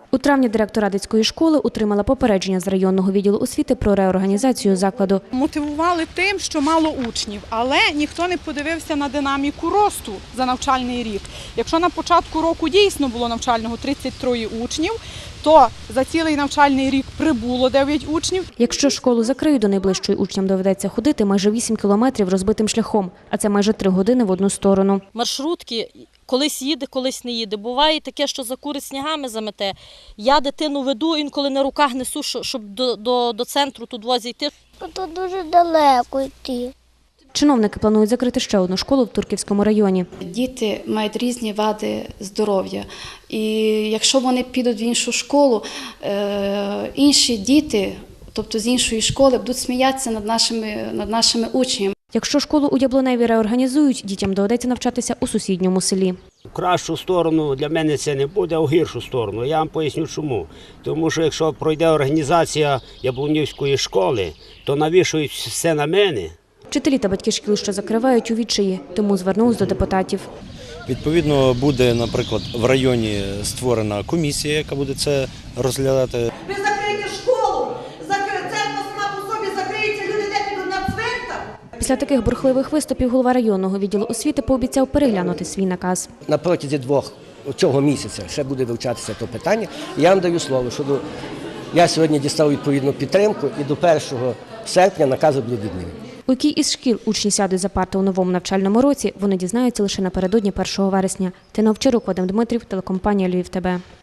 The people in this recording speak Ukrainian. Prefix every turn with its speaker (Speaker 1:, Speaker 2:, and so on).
Speaker 1: У травні директор Радицької школи отримала попередження з районного відділу освіти про реорганізацію закладу.
Speaker 2: Мотивували тим, що мало учнів, але ніхто не подивився на динаміку росту за навчальний рік. Якщо на початку року дійсно було навчального 33 учнів, то за цілий навчальний рік прибуло 9 учнів.
Speaker 1: Якщо школу закриють, до найближчої учням доведеться ходити майже 8 кілометрів розбитим шляхом, а це майже 3 години в одну сторону.
Speaker 3: Маршрутки колись їде, колись не їде. Буває таке, що закурить снігами замете. Я дитину веду, інколи на руках несу, щоб до центру тут возити.
Speaker 4: Тут дуже далеко йти.
Speaker 1: Чиновники планують закрити ще одну школу в Турківському районі.
Speaker 5: Діти мають різні вади здоров'я. І якщо вони підуть в іншу школу, інші діти, тобто з іншої школи, будуть сміятися над нашими учнями.
Speaker 1: Якщо школу у Яблуневі реорганізують, дітям доведеться навчатися у сусідньому селі.
Speaker 6: В кращу сторону для мене це не буде, а в гіршу сторону. Я вам поясню чому. Тому що якщо пройде організація Яблунівської школи, то навішують все на мене.
Speaker 1: Вчителі та батьки шкіл, що закривають, у відчаї, тому звернулись до депутатів.
Speaker 7: Відповідно, буде, наприклад, в районі створена комісія, яка буде це розглядати.
Speaker 8: Ви закриєте школу, церква сама по собі закриється, люди не підуть на цвинтар.
Speaker 1: Після таких бурхливих виступів голова районного відділу освіти пообіцяв переглянути свій наказ.
Speaker 9: На протязі цього місяця ще буде вивчатися це питання. Я вам даю слово, що я сьогодні дістав відповідну підтримку і до 1 серпня накази будуть відмінені.
Speaker 1: У якій із шкіл учні сядуть за парти у новому навчальному році, вони дізнаються лише напередодні 1 вересня. Тина Овчарук, Вадим Дмитрів, телекомпанія «Львів ТБ».